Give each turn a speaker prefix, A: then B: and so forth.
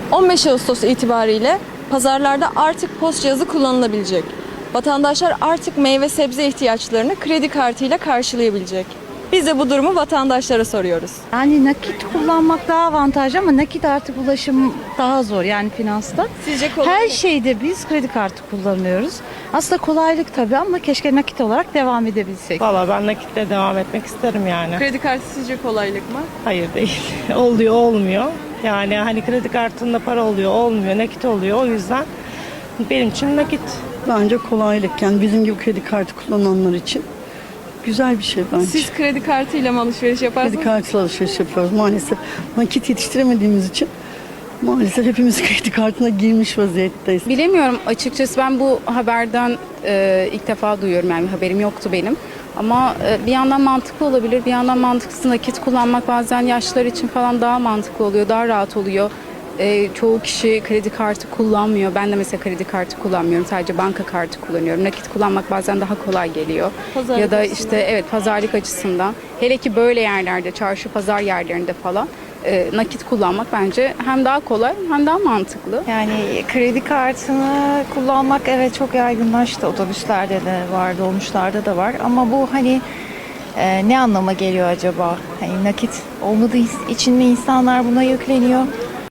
A: 15 Ağustos itibariyle pazarlarda artık POS cihazı kullanılabilecek. Vatandaşlar artık meyve sebze ihtiyaçlarını kredi kartıyla karşılayabilecek. Biz de bu durumu vatandaşlara soruyoruz.
B: Yani nakit kullanmak daha avantajlı ama nakit artık ulaşım daha zor yani finansta.
A: Sizce kolay
B: Her
A: mı?
B: şeyde biz kredi kartı kullanıyoruz. Aslında kolaylık tabii ama keşke nakit olarak devam edebilsek.
C: Valla ben nakitle devam etmek isterim yani.
A: Kredi kartı sizce kolaylık mı?
C: Hayır değil. Oluyor olmuyor. Yani hani kredi kartında para oluyor olmuyor, nakit oluyor. O yüzden benim için nakit.
D: Bence kolaylık, yani bizim gibi kredi kartı kullananlar için güzel bir şey bence.
A: Siz kredi kartıyla mı alışveriş yaparsınız?
D: Kredi kartıyla alışveriş yapıyoruz maalesef. Nakit yetiştiremediğimiz için maalesef hepimiz kredi kartına girmiş vaziyetteyiz.
E: Bilemiyorum açıkçası, ben bu haberden ilk defa duyuyorum, yani haberim yoktu benim. Ama bir yandan mantıklı olabilir, bir yandan mantıksız. Nakit kullanmak bazen yaşlılar için falan daha mantıklı oluyor, daha rahat oluyor. Çoğu kişi kredi kartı kullanmıyor. Ben de mesela kredi kartı kullanmıyorum. Sadece banka kartı kullanıyorum. Nakit kullanmak bazen daha kolay geliyor.
A: Pazarlık
E: ya da
A: açısından.
E: işte evet, pazarlık açısından. Hele ki böyle yerlerde, çarşı pazar yerlerinde falan nakit kullanmak bence hem daha kolay hem daha mantıklı.
F: Yani kredi kartını kullanmak evet çok yaygınlaştı. Otobüslerde de var, dolmuşlarda da var. Ama bu hani ne anlama geliyor acaba? Hani nakit olmadığı için mi insanlar buna yükleniyor?